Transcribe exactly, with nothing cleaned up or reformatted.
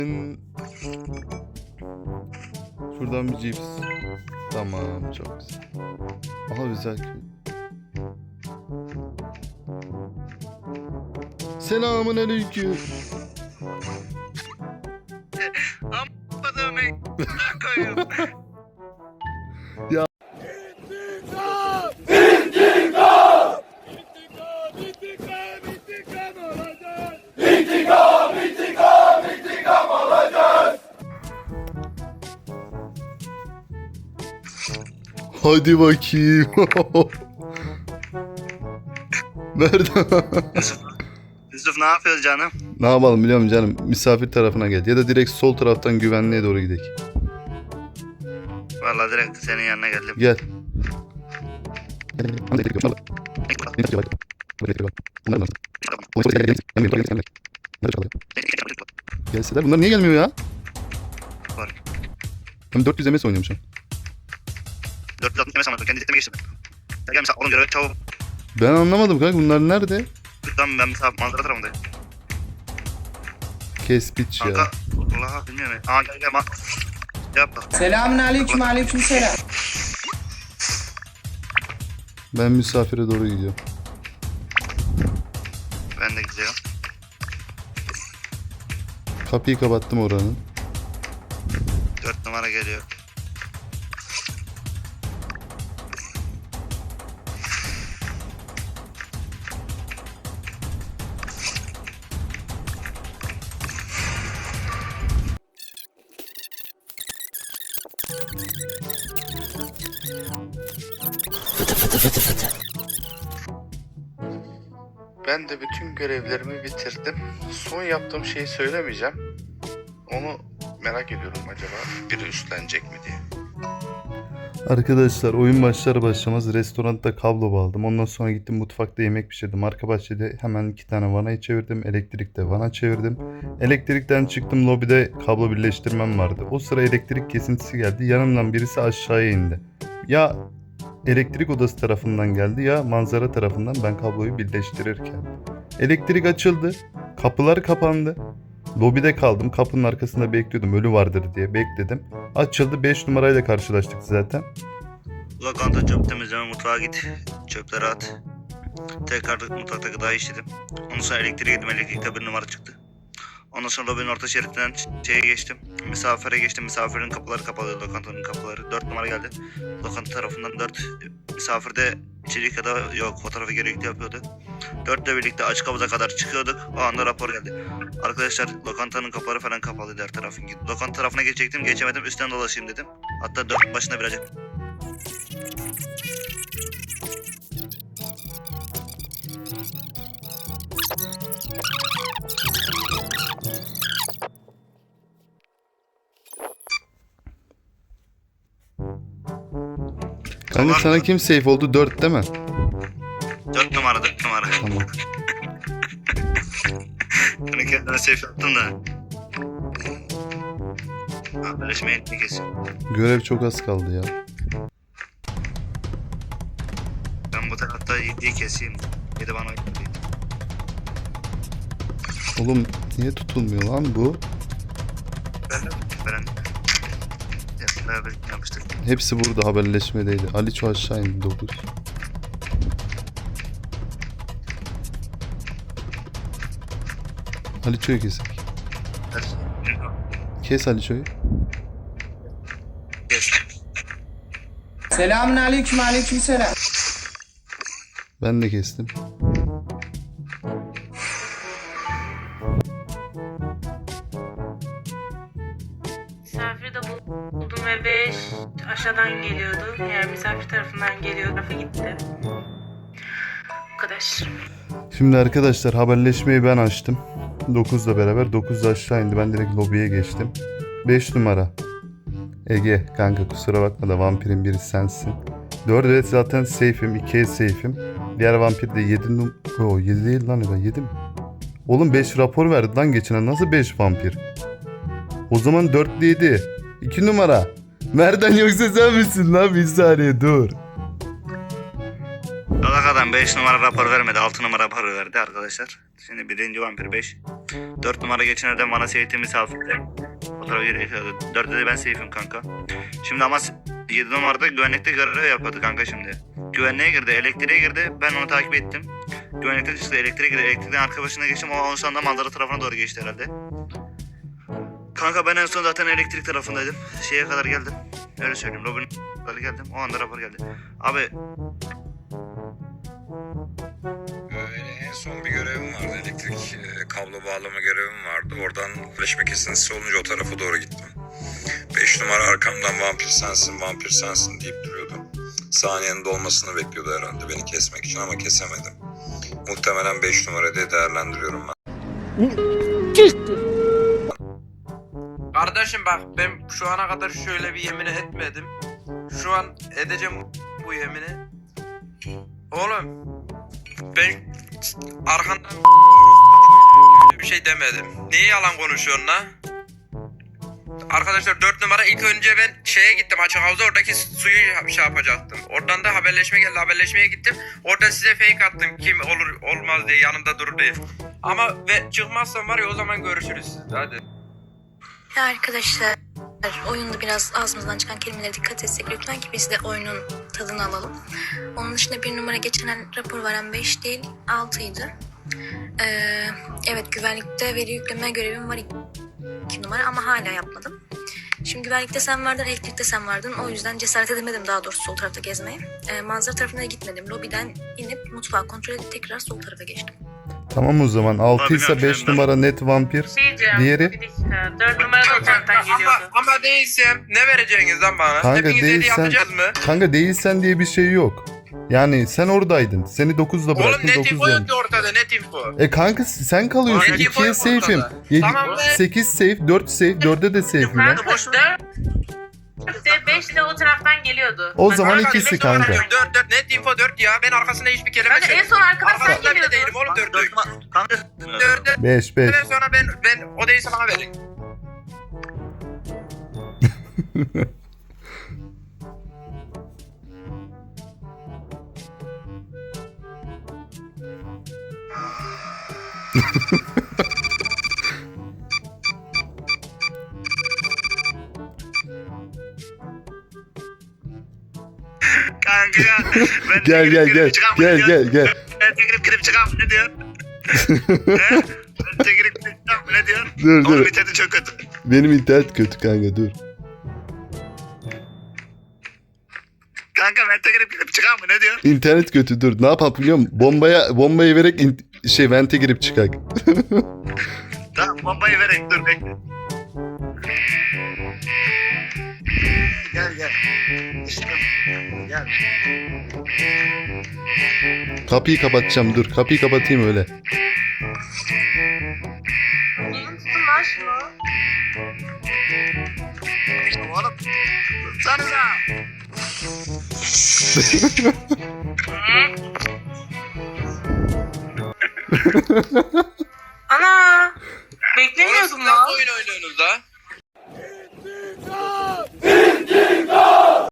Şuradan bir cips. Tamam, çok güzel. Aha, güzel köy. Selamun aleyküm. Amma dövmeyi koyuyorum. Ya. İntikam! İntikam! İntikam! İntikam olacak! İntikam! İntikam! İntikam olacak! Hadi bakayım. Nerede? Yusuf, Yusuf ne yapıyoruz canım? Ne yapalım biliyor musun canım? Misafir tarafına gel. Ya da direkt sol taraftan güvenliğe doğru gidelim. Vallahi direkt senin yanına geldim. Gel. Gelseler. Bunlar niye gelmiyor ya? Var. Ben dört yüz M S oynuyorum şu an. dört yüz altmış yemesem kendi diteme geçtim. Gel gel mesela oğlum görev çabuk. Ben anlamadım kanka, bunlar nerede? Tamam ben mesela manzara tarafındayım. Kes piç ya. Kanka Allah'a bilmiyorum. Aa gel gel bak. Yap bak. Selamun aleyküm aleyküm selam. Ben misafire doğru gidiyorum. Ben de gidiyorum. Kapıyı kapattım oranın. dört numara geliyor. Ben de bütün görevlerimi bitirdim. Son yaptığım şeyi söylemeyeceğim. Onu merak ediyorum, acaba biri üstlenecek mi diye. Arkadaşlar, oyun başlar başlamaz restoranda kablo bağladım. Ondan sonra gittim mutfakta yemek pişirdim. Arka bahçede hemen iki tane vanayı çevirdim. Elektrikte vana çevirdim. Elektrikten çıktım, lobide kablo birleştirmem vardı. O sıra elektrik kesintisi geldi. Yanımdan birisi aşağıya indi. Ya elektrik odası tarafından geldi ya manzara tarafından, ben kabloyu birleştirirken. Elektrik açıldı. Kapılar kapandı. Lobide kaldım. Kapının arkasında bekliyordum. Ölü vardır diye bekledim. Açıldı. beş numarayla karşılaştık zaten. Lokanta çöp temizleme, mutfağa git. Çöpleri at. Tekrar mutfakta gıda işledim. Ondan sonra elektriğe gittim. Elektrikte bir numara çıktı. Ondan sonra lobinin orta şeritinden şeye geçtim. Misafire geçtim. Misafirin kapıları kapalı. Lokantanın kapıları. dört numara geldi. Lokanta tarafından dört. Misafirde içerik ya da yok fotoğrafı gerekli yapıyordu. dörtle birlikte açık havuza kadar çıkıyorduk. O anda rapor geldi. Arkadaşlar lokantanın kapıları falan kapalıydı her tarafın. Lokanta tarafına geçecektim. Geçemedim. Üstten dolaşayım dedim. Hatta dört başına birazcık. Kanka sana kim safe oldu? dört değil mi? dört numara dört numara. Tamam. Bunu kendime safe yaptım da. Haberleşmeyi etmek kesin. Görev çok az kaldı ya. Ben bu tarafta yediği keseyim. Yedi bana yedi. Oğlum niye tutulmuyor lan bu? Ben ben ya, beraber yapmıştık. Hepsi burada haberleşmedeydi. Aliço aşağı indi dokuz. Aliço'yu kesek. Kes Aliço'yu. Kes. Selamun aleyküm aleyküm selam. Ben de kestim. Misafiri de buldum ve beş aşağıdan geliyordu. Yani misafir tarafından geliyor, tarafa gitti. Bu kadar. Şimdi arkadaşlar haberleşmeyi ben açtım. dokuzla beraber. dokuz da aşağı indi. Ben direkt lobiye geçtim. beş numara. Ege kanka kusura bakma da vampirin biri sensin. dört evet zaten safe'im. ikiye safe'im. Diğer vampir de yedi num... Oo yedi değil lan, ben yedi mi? Oğlum beş rapor verdi lan geçen. Nasıl beş vampir? O zaman dört yedi. iki numara. Nereden yoksa sen misin lan? Bir saniye dur. Dalak adam beş numara rapor vermedi. altı numara rapor verdi arkadaşlar. Şimdi birinci vampir beş. dört numara geçenlerden bana safety misafirde. O tarafa geri dörtte de ben safe'im kanka. Şimdi ama yedi numarada güvenlikte görev yapıyordu kanka şimdi. Güvenliğe girdi, elektriğe girdi. Ben onu takip ettim. Güvenlikten çıktı, elektriğe girdi. Elektrikten arka başına geçtim. O en sonunda manzara tarafına doğru geçti herhalde. Kanka ben en son zaten elektrik tarafındaydım. Şeye kadar geldim. Öyle söyleyeyim. Robin'e kadar geldim. O anda rapor geldi. Abi Öyle en son bir görevim vardı. Elektrik e, kablo bağlama görevim vardı. Oradan flaşma kesintisi olunca o tarafa doğru gittim. beş numara arkamdan vampir sensin, vampir sensin deyip duruyordu. Saniyenin dolmasını bekliyordu herhalde beni kesmek için ama kesemedim. Muhtemelen beş numara diye değerlendiriyorum ben. Kardeşim bak ben şu ana kadar şöyle bir yemin etmedim. Şu an edeceğim bu yemini. Oğlum ben arkandan bir şey demedim. Niye yalan konuşuyorsun la? Arkadaşlar dört numara ilk önce ben şeye gittim açık havza oradaki suyu şey yapacaktım. Oradan da haberleşme geldi haberleşmeye gittim. Orada size fake attım kim olur olmaz diye yanımda dur diye. Ama ve çıkmazsam var ya o zaman görüşürüz hadi. Ya arkadaşlar oyunda biraz ağzımızdan çıkan kelimelere dikkat etsek lütfen ki biz de oyunun tadını alalım. Onun dışında bir numara geçen rapor veren beş değil altıydı. Ee, evet güvenlikte veri yükleme görevim var iki numara ama hala yapmadım. Şimdi güvenlikte sen vardın, elektrikte sen vardın. O yüzden cesaret edemedim daha doğrusu sol tarafta gezmeye. Ee, manzara tarafına gitmedim. Lobiden inip mutfağı kontrol edip tekrar sol tarafa geçtim. Tamam o zaman altı ise beş numara net vampir. Diyeceğim. Diğeri? Bir dakika. dört numara da o taraftan Ama, geliyordu. ama değilsem ne vereceğiniz lan bana? Kanka Hepiniz dediği değilsen, yapacağız mı? kanka değilsen diye bir şey yok. Yani sen oradaydın. Seni dokuzda Oğlum bıraktım net info dokuzda. yok ki ortada net info. E kanka sen kalıyorsun. Net info ikiye yok safe'im. ortada. Tamam be. sekiz safe, dört safe, dörde de safe'im ben. Kanka boş dört beş de o taraftan geliyordu. O Bak, zaman kanka, ikisi beş kanka. numara- dört dört net info dört ya. Ben arkasında hiçbir kelime Kanka en söylemedim. son arkadan sen Arkasında bile geliyordun. değilim oğlum dört dört. kanka Dörtte beş beş. sonra ben ben o değilse bana verin. kanka ya. Ben Gel gel gel. Gel gel gel. Ben tekrip girip çıkan ne diyor? He? Ben tekrip girip çıkan ne diyor? Dur Oğlum dur. interneti çok kötü. Benim internet kötü kanka dur. Kanka ben tekrip girip çıkan mı ne diyor? İnternet kötü dur. Ne yapalım biliyor musun? Bombaya bombayı vererek in- şey vente girip çıkak. Tamam bombayı vereyim dur bekle. Gel gel. İşte gel. Kapıyı kapatacağım dur. Kapıyı kapatayım öyle. Gelin tutun lan şunu. Oğlum. Tutsanıza. Ana! Oğlum Beklemiyordum siz lan. nasıl oyun oynuyorsunuz la?